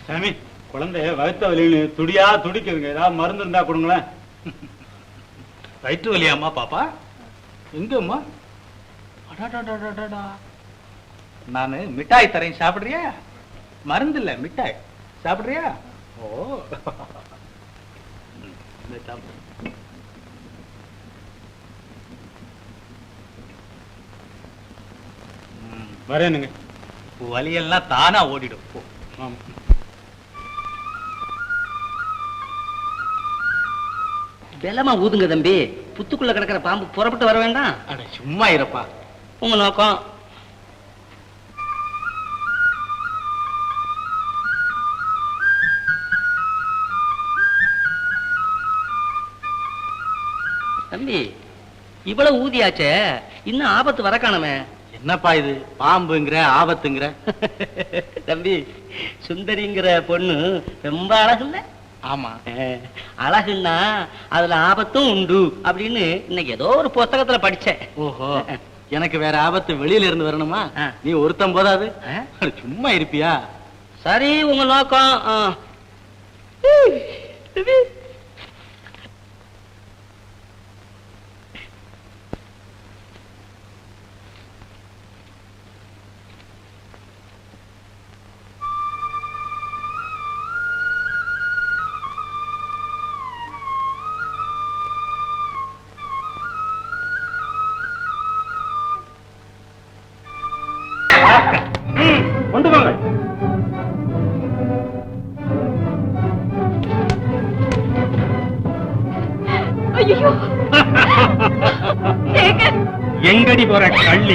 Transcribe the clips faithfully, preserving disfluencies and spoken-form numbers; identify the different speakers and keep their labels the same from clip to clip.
Speaker 1: சாமி, குழந்தை வயிற்று வலின்னு துடியா துடிக்குதுங்க. ஏதாவது மருந்து இருந்தா கொடுங்களேன்.
Speaker 2: வயிற்று வலியாம்மா பாப்பா? எங்கம்மா? நானு மிட்டாய் தரேன், சாப்பிடுறியா? மருந்து இல்ல, மிட்டாய் சாப்பிடுறியா? ஓ
Speaker 1: வரேனுங்க.
Speaker 2: வலியெல்லாம் தானா ஓடிடும்.
Speaker 1: ஆமா.
Speaker 3: பலமா ஊதுங்க தம்பி. புத்துக்குள்ள கிடக்கிற பாம்பு புறப்பட்டு வர வேண்டாம்.
Speaker 2: அட சும்மா இருப்பா.
Speaker 3: உங்க நோக்கம் தம்பி, இவ்வளவு ஊதியாச்சே, இன்னும் ஆபத்து வர காணமே.
Speaker 2: என்னப்பா இது பாம்புங்கிற ஆபத்துங்கிற?
Speaker 3: தம்பி, சுந்தரிங்கிற பொண்ணு ரொம்ப அழகு இல்ல?
Speaker 2: ஆமா.
Speaker 3: அழகுன்னா அதுல ஆபத்தும் உண்டு அப்படின்னு இன்னைக்கு ஏதோ ஒரு புத்தகத்துல படிச்சேன்.
Speaker 2: ஓஹோ, எனக்கு வேற ஆபத்து வெளியில இருந்து வரணுமா? நீ ஒருத்தம் போதாது, சும்மா இருப்பியா?
Speaker 3: சரி, உங்க நோக்கம்.
Speaker 1: கொண்டு போங்க. எங்கடி போற கள்ளி?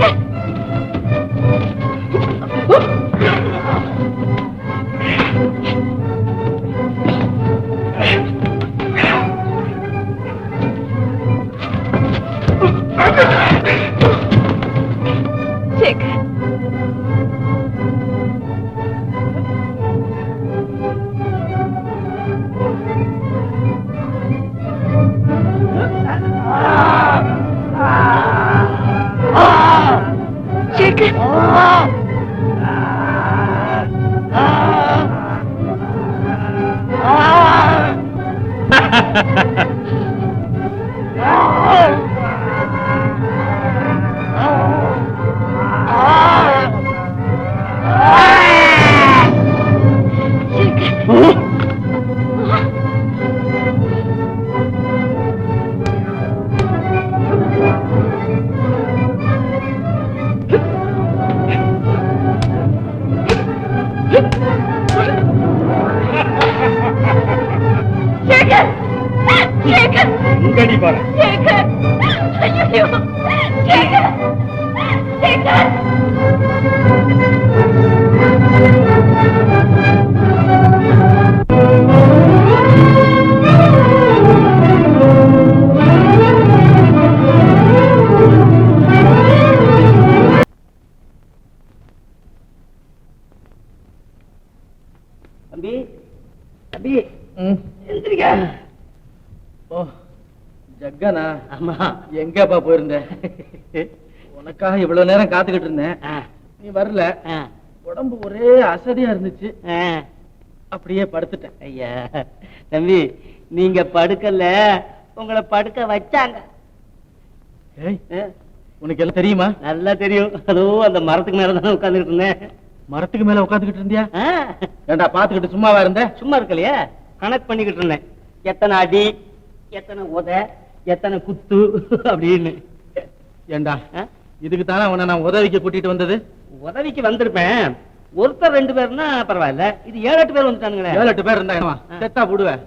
Speaker 1: எங்கடி போற?
Speaker 3: தம்பி, தம்பி, எந்திரிக்க.
Speaker 2: ஓ, ஜக்கனா?
Speaker 3: ஆமா.
Speaker 2: எங்கப்பா போயிருந்த? உனக்காக இவ்வளவு நேரம் காத்துக்கிட்டு இருந்தேன், நீ வரல. உடம்பு ஒரே அசதியா இருந்துச்சு, அப்படியே படுத்துட்டேன்.
Speaker 3: ஐயா தம்பி, நீங்க படுக்கல, உங்களை படுக்க வச்சாங்க.
Speaker 2: உனக்கு எல்லாம் தெரியுமா?
Speaker 3: நல்லா தெரியும். அதோ அந்த மரத்துக்கு மேலதானே உட்கார்ந்துட்டு இருந்தேன்.
Speaker 2: மரத்துக்கு மேல உட்காந்துக்கிட்டு இருந்தியா? ஏண்டா பாத்துக்கிட்டு சும்மாவா இருந்த?
Speaker 3: சும்மா இருக்கலையே, கணக்கு பண்ணிக்கிட்டு இருந்தேன். எத்தனை அடி, எத்தனை உத, எத்தனை குத்து அப்படின்னு.
Speaker 2: ஏண்டா இதுக்கு தானே உன்னை நான் உதவிக்கு கூட்டிட்டு வந்தது?
Speaker 3: உதவிக்கு வந்திருப்பேன், ஒருத்தர் ரெண்டு பேர்னா பரவாயில்ல, இது ஏழு எட்டு பேர் வந்துட்டானுங்களே.
Speaker 2: ஏழு எட்டு பேர் இருந்தாங்க, செத்தா போடுவேன்.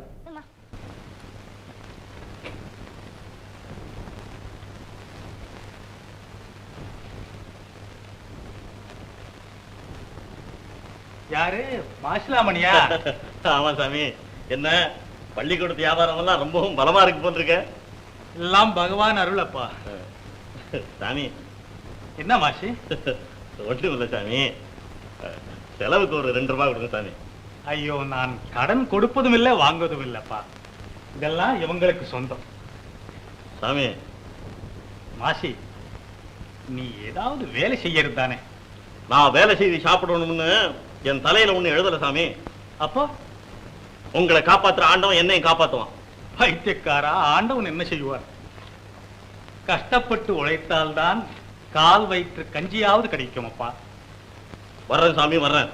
Speaker 1: யாரு? மாசிலாமணியா?
Speaker 4: ஆமா சாமி. என்ன பள்ளிக்கூடத்து வியாபாரம் எல்லாம் ரொம்பவும் பலமா இருக்கு போட்டிருக்க.
Speaker 1: எல்லாம் பகவான் அருள் அப்பா.
Speaker 4: சாமி
Speaker 1: என்ன மாசி?
Speaker 4: ஒன்றும் இல்லை சாமி, செலவுக்கு ஒரு ரெண்டு ரூபாய் கொடுங்க சாமி.
Speaker 1: ஐயோ, நான் கடன் கொடுப்பதும் இல்லை வாங்குவதும் இல்லப்பா, இதெல்லாம் இவங்களுக்கு சொந்தம்.
Speaker 4: சாமி
Speaker 1: மாசி, நீ ஏதாவது வேலை செய்யறது தானே?
Speaker 4: நான் வேலை செய்து சாப்பிடணும்னு என் தலையில ஒண்ணு எழுதல சாமி.
Speaker 1: அப்போ
Speaker 4: உங்களை காப்பாத்துற ஆண்டவன் என்னையும் காப்பாத்துவான்.
Speaker 1: பைத்தியக்காரா, ஆண்டவன் என்ன செய்வார்? கஷ்டப்பட்டு உழைத்தால்தான் கால் வயிற்று கஞ்சியாவது கிடைக்கும் அப்பா.
Speaker 4: வர்றேன் சாமி, வர்றேன்.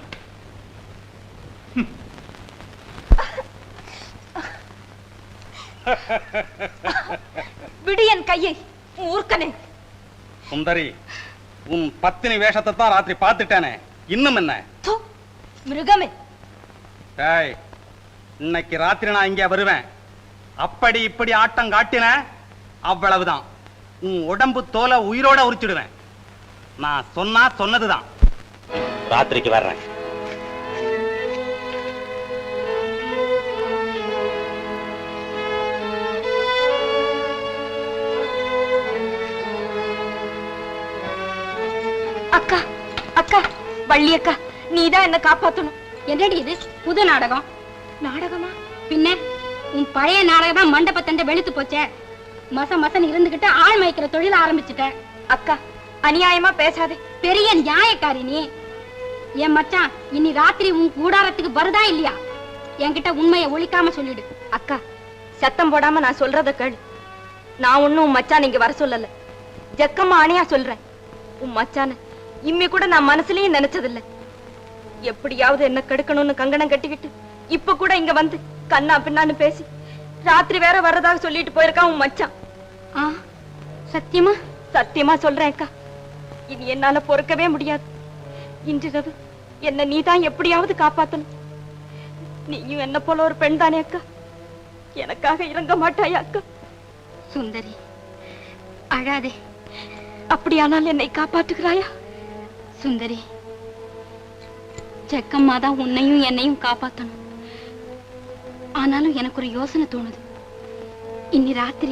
Speaker 5: விடு என் கையை, ஊர்க்கனே.
Speaker 6: சுந்தரி, உன் பத்தினி வேஷத்தை தான் ராத்திரி பார்த்துட்டேனே, இன்னும் என்ன?
Speaker 5: தூ, மிருகமே.
Speaker 6: டேய், இன்னைக்கு ராத்திரி நான் இங்கே வருவேன். அப்படி இப்படி ஆட்டம் காட்டின அவ்வளவுதான். உன் உடம்பு தோலை உயிரோட உரிச்சிடுவேன். நான் சொன்னா சொன்னதுதான்.
Speaker 4: ராத்திரிக்கு வர்றேன்.
Speaker 5: அக்கா, அக்கா, வள்ளி அக்கா, நீதான் என்ன காப்பாத்தணும்.
Speaker 7: என்னடி இது புது நாடகம்?
Speaker 5: நாடகமா?
Speaker 7: பின்ன உன் பழைய நாடகம் தான் மண்டபத்தண்ட வெளுத்து போச்சே. மச மசன் இருந்துகிட்டு ஆள் மயக்கிற தொழில ஆரம்பிச்சுட்டேன்.
Speaker 5: அக்கா, அநியாயமா பேசாதே.
Speaker 7: பெரிய நியாயக்காரி நீ. என் மச்சான் இன்னி ராத்திரி உன் கூடாரத்துக்கு வருதா இல்லையா? என்கிட்ட உண்மையை ஒழிக்காம சொல்லிடு.
Speaker 5: அக்கா, சத்தம் போடாம நான் சொல்றத கேளு. நான் ஒண்ணும் உன் மச்சான் இங்க வர சொல்லல. ஜக்கம்மா அணியா சொல்றேன். உன் மச்சான இம்மி கூட நான் மனசுலயும் நினைச்சதில்லை. எப்படியாவது என்ன கெடுக்கணும்னு கங்கணம் கட்டிக்கிட்டு இப்ப கூட இங்க வந்து கண்ணா பின்னான்னு பேசி ராத்திரி வேற வர்றதாக சொல்லிட்டு போயிருக்கான் உன் மச்சான்.
Speaker 7: ஆ, சத்தியமா?
Speaker 5: சத்தியமா சொல்றேன் அக்கா. இனி என்னால பொறுக்கவே முடியாது. இன்றிரவு என்ன நீதான் எப்படியாவது காப்பாத்தணும். நீயும் என்ன போல ஒரு பெண் தானே அக்கா. எனக்காக இறங்க மாட்டாயா அக்கா?
Speaker 7: சுந்தரி, அழாதே.
Speaker 5: அப்படியானால் என்னை காப்பாற்றுகிறாயா?
Speaker 7: சுந்தரி, செக்கம்மா தான் உன்னையும் என்னையும் காப்பாத்தணும். ஆனாலும் எனக்கு ஒரு யோசனை தோணுது. இன்னி ராத்திரி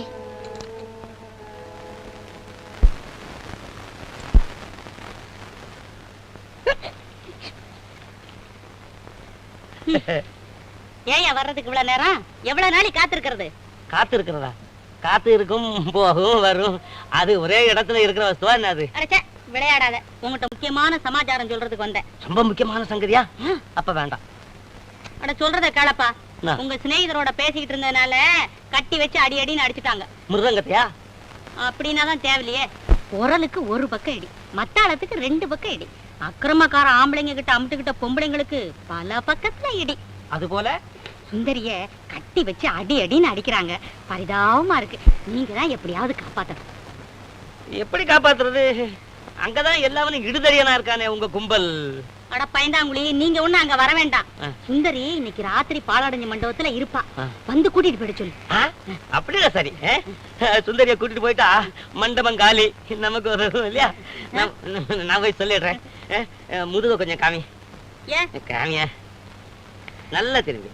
Speaker 3: ஏயா வர்றதுக்கு இவ்வளவு நேரம்? எவ்வளவு நாளை காத்திருக்கிறது? காத்து இருக்கிறதா? காத்து இருக்கும், போகும், வரும். அது ஒரே இடத்துல இருக்கிற வஸ்துவா என்ன அது?
Speaker 7: அடச்சே, விளையாடாத. உங்ககிட்ட முக்கியமான சமாச்சாரம் சொல்றதுக்கு வந்தேன்.
Speaker 3: ரொம்ப முக்கியமான சங்கதியா? அப்ப வேண்டாம்.
Speaker 7: அட சொல்றத கேளப்பா.
Speaker 3: என்ன?
Speaker 7: உங்க சிநேகிதரோட பேசிக்கிட்டு இருந்ததுனால கட்டி வச்சு அடி அடின்னு அடிச்சுட்டாங்க.
Speaker 3: மிருதங்கத்தையா?
Speaker 7: அப்படின்னா தான் தேவையில்லையே. குரலுக்கு ஒரு பக்கம் இடி, மத்தாளத்துக்கு ரெண்டு பக்கம் இடி. அக்கிரமக்கார ஆம்பளைங்க கிட்ட அமுட்டுக்கிட்ட பொம்பளைங்களுக்கு பல பக்கத்துல இடி.
Speaker 3: அது போல
Speaker 7: சுந்தரிய கட்டி வச்சு அடி அடின்னு அடிக்கிறாங்க. பரிதாபமா இருக்கு. நீங்க தான் எப்படியாவது காப்பாத்தணும்.
Speaker 3: எப்படி காப்பாத்துறது? அங்கதான் எல்லாவனும் இடுதறியனா இருக்கானே உங்க கும்பல்.
Speaker 7: அட பயந்தாங்குழி, நீங்க ஒண்ணு அங்க வர வேண்டாம். சுந்தரி இன்னைக்கு ராத்திரி பாலாடஞ்ச மண்டபத்துல இருப்பா. வந்து கூட்டிட்டு போயிட சொல்லு.
Speaker 3: அப்படியா? சரி, சுந்தரிய கூட்டிட்டு போயிட்டா மண்டபம் காலி, நமக்கு ஒரு இல்லையா? நான் போய் சொல்லிடுறேன். முதுக கொஞ்சம் காமி.
Speaker 7: ஏன்
Speaker 3: காமிய நல்லா திரும்பி.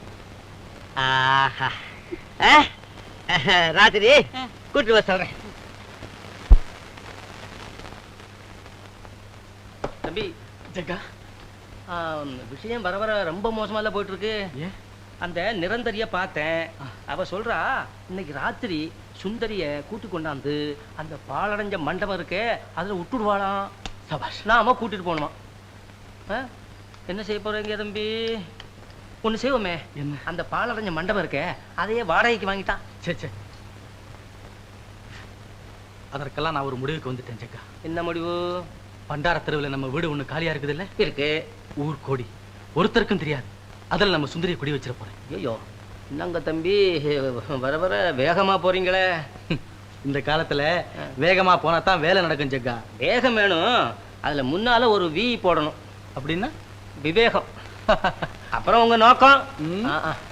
Speaker 3: ஆஹா, ராத்திரி கூட்டிட்டு வர சொல்றேன். தம்பி
Speaker 2: ஜக்கா,
Speaker 3: விஷயம் வர வர ரொம்ப மோசமா போயிட்டு இருக்கு. அந்த நிரந்தரிய பார்த்தேன். அவ சொல்றா இன்னைக்கு ராத்திரி சுந்தரிய கூட்டி கொண்டாந்து அந்த பாலடைஞ்ச மண்டபம் இருக்கே அதுல விட்டுடுவாளாம். சபாஷ். நாம கூட்டிட்டு போகணுமா? என்ன செய்ய போறீங்க தம்பி? ஒண்ணு செய்வோமே.
Speaker 2: என்ன?
Speaker 3: அந்த பாலடைஞ்ச மண்டபம் இருக்கே அதையே வாடகைக்கு வாங்கிட்டான்.
Speaker 2: சே சே, அதற்கெல்லாம் நான் ஒரு முடிவுக்கு வந்துட்டேன் ஜக்கா.
Speaker 3: என்ன முடிவு?
Speaker 2: பண்டார தெருவில் நம்ம வீடு ஒண்ணு காலியா இருக்குது இல்ல?
Speaker 3: இருக்கு.
Speaker 2: ஊர் கோடி ஒருத்தருக்கும் தெரியாது. அதில் நம்ம சுந்தரிய குடி வச்சிட போறேன்.
Speaker 3: ஐயோ, என்னங்க தம்பி வர வர வேகமா போறீங்களே.
Speaker 2: இந்த காலத்துல வேகமா போனா தான் வேலை நடக்கும் ஜக்கா.
Speaker 3: வேகம் வேணும், அதுல முன்னால ஒரு வி போடணும்.
Speaker 2: அப்படின்னா
Speaker 3: விவேகம். அப்புறம் உங்க நோக்கம்.
Speaker 2: ம்.
Speaker 3: ஆ, ஆ.